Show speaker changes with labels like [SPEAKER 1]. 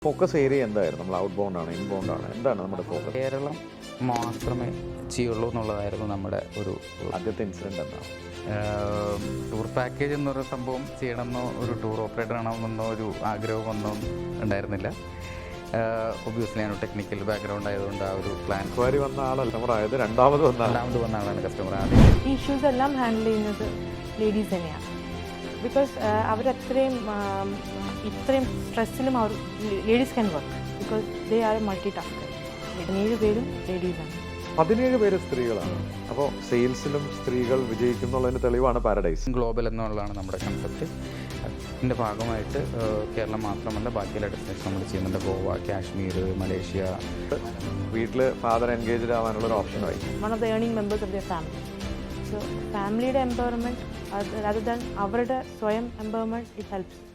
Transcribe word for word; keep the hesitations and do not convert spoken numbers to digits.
[SPEAKER 1] Focus area എന്തായിരുന്നു? നമ്മൾ out bound ആണ്, ഇൻബൗണ്ട് ആണ്, എന്താണ് നമ്മുടെ ഫോക്കസ്?
[SPEAKER 2] കേരളം മാത്രമേ ചെയ്യുള്ളൂ എന്നുള്ളതായിരുന്നു നമ്മുടെ ഒരു
[SPEAKER 1] ആദ്യത്തെ ഇൻസിഡൻറ്റ് എന്താണ്?
[SPEAKER 2] ടൂർ പാക്കേജ് എന്നൊരു സംഭവം ചെയ്യണമെന്നോ ഒരു ടൂർ ഓപ്പറേറ്റർ ആണമെന്നോ ഒരു ആഗ്രഹമൊന്നും ഉണ്ടായിരുന്നില്ല. ഒബ്വിയസ്ലി ഞാൻ ടെക്നിക്കൽ ബാക്ക്ഗ്രൗണ്ട് ആയതുകൊണ്ട് ആ ഒരു പ്ലാൻ
[SPEAKER 1] ക്വയറി വന്ന ആളല്ല കസ്റ്റമർ ആയത്, രണ്ടാമത് വന്ന
[SPEAKER 2] രണ്ടാമത് വന്ന ആളാണ് കസ്റ്റമർ. ആദ്യം
[SPEAKER 3] ഈ ഇഷ്യൂസ് എല്ലാം ഹാൻഡിൽ ചെയ്യുന്നത് ലേഡീസ് തന്നെയാണ്. ബിക്കോസ് അവരത്രയും ഇത്രയും സ്ട്രെസ്സിലും അവർ ladies can work because they are multi tasker. പതിനേഴ് പേരും ലേഡീസാണ്.
[SPEAKER 1] പതിനേഴ് പേര് സ്ത്രീകളാണ്. അപ്പോൾ സെയിൽസിലും സ്ത്രീകൾ വിജയിക്കുന്നുള്ളതിന് തെളിവാണ് പാരഡൈസ്
[SPEAKER 2] ഗ്ലോബൽ എന്നുള്ളതാണ് നമ്മുടെ കൺസെപ്റ്റ്. അതിൻ്റെ ഭാഗമായിട്ട് കേരളം മാത്രമല്ല ബാക്കിയുള്ള ഡെസ്റ്റിനേഷൻ നമ്മൾ ചെയ്യുന്നുണ്ട്. ഗോവ, കാശ്മീർ, മലേഷ്യ.
[SPEAKER 1] വീട്ടിൽ ഫാദർ എൻഗേജ്ഡ് ആവാനുള്ള ഒരു ഓപ്ഷനായി.
[SPEAKER 3] One of the earning members of the family. So ഫാമിലിയുടെ എംപവർമെൻറ്റ് rather than അവരുടെ സ്വയം എംപവർമെൻറ്റ് ഇറ്റ് ഹെൽപ്സ്.